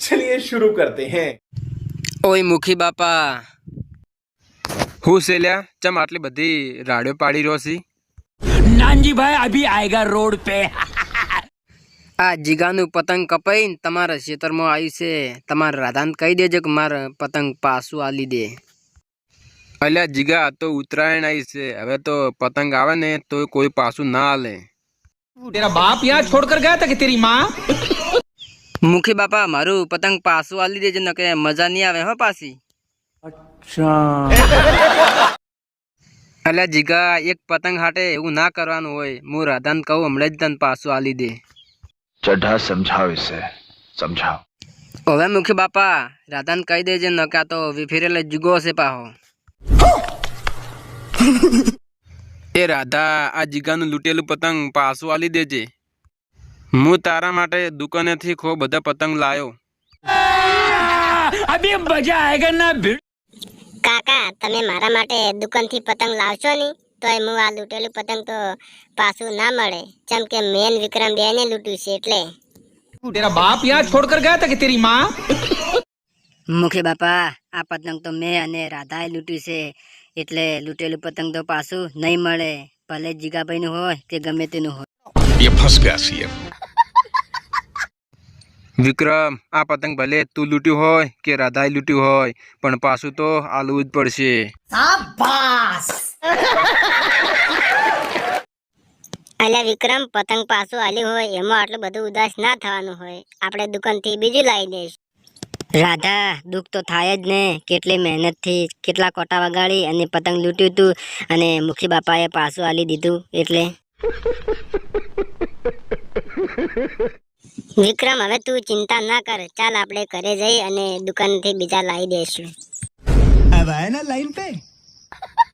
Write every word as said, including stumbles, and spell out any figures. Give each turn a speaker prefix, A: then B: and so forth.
A: चलिए शुरू करते हैं।
B: ओए मुखी बापा
C: હું સેલ્યા ચમ આટલી બધી રાડિયો પાડી રહ્યો છી?
D: नानजी भाई अभी आएगा रोड पे।
B: आ जीगानु पतंग कपाईन तमारा क्षेत्रमां आव्યું છે। તમારા રાધાને કહી દેજો કે મારા પતંગ પાછું આલી દે।
C: અલ્યા જીગા તો ઉત્તરાયણ આવી છે, હવે તો પતંગ આવે ને તો કોઈ પાછું ના આલે।
D: तेरा बाप यहाँ छोड़कर गया था कि तेरी माँ?
B: મુખી બાપા મારું પતંગ પાછું આલી દેજો નકે મજા નહીં આવે હો પાછી। અલ્યા જીગા એક પતંગ હાટે એવું ના કરવાનું હોય। હું રાધાને કહું હમણાં જ તને પાછું આલી દે।
E: चड्ढा समझाओ इसे, समझाओ।
B: હવે મુખી બાપા રાધાને કહી દેજે નકા તો વિફેરેલો જીગો હશે પાહો।
C: એ રાધા આ જીગાનું લૂંટેલું પતંગ પાછું આલી દેજે। હું તારા માટે દુકાનેથી ખૂબ બધા પતંગ લાયો।
D: अभी मजा आएगा ना भिड़।
F: કાકા તમે મારા માટે દુકાનથી પતંગ લાવશો ની તોય હું આ લૂંટેલું પતંગ તો પાછું ના મળે, ચમ કે મેન વિક્રમ બેને લૂંટ્યું છે એટલે।
D: तेरा बाप यहाँ छोड़कर गया था कि तेरी माँ?
B: મુખી બાપા આ પતંગ તો મેં અને રાધાએ લૂંટ્યું છે, એટલે લૂંટેલું પતંગ તો પાછું નહીં મળે, ભલે જીગાભાઈનું હોય કે ગમે તેનું હોય।
E: ये फंस गया सीएम।
C: વિક્રમ આ પતંગ ભલે તું લૂંટ્યું હોય કે રાધાએ લૂંટ્યું હોય પણ પાછું તો આલવું જ પડશે।
F: અલ્યા વિક્રમ પતંગ પાછું આલ્યું હોય એમાં આટલું બધું ઉદાસ ના થવાનું હોય, આપણે દુકાનથી બીજું લાવી દઈશ। રાધા દુઃખ તો થાય જ ને, કેટલી મહેનતથી કેટલા કોટા વગાડી અને પતંગ લૂંટ્યું હતું અને મુખી બાપાએ પાછું આલી દીધું એટલે। વિક્રમ હવે તું ચિંતા ના કર, ચાલ આપણે ઘરે જઈ અને દુકાનથી બીજા લાવી દઈશું।
D: अब आए ना लाइन पे।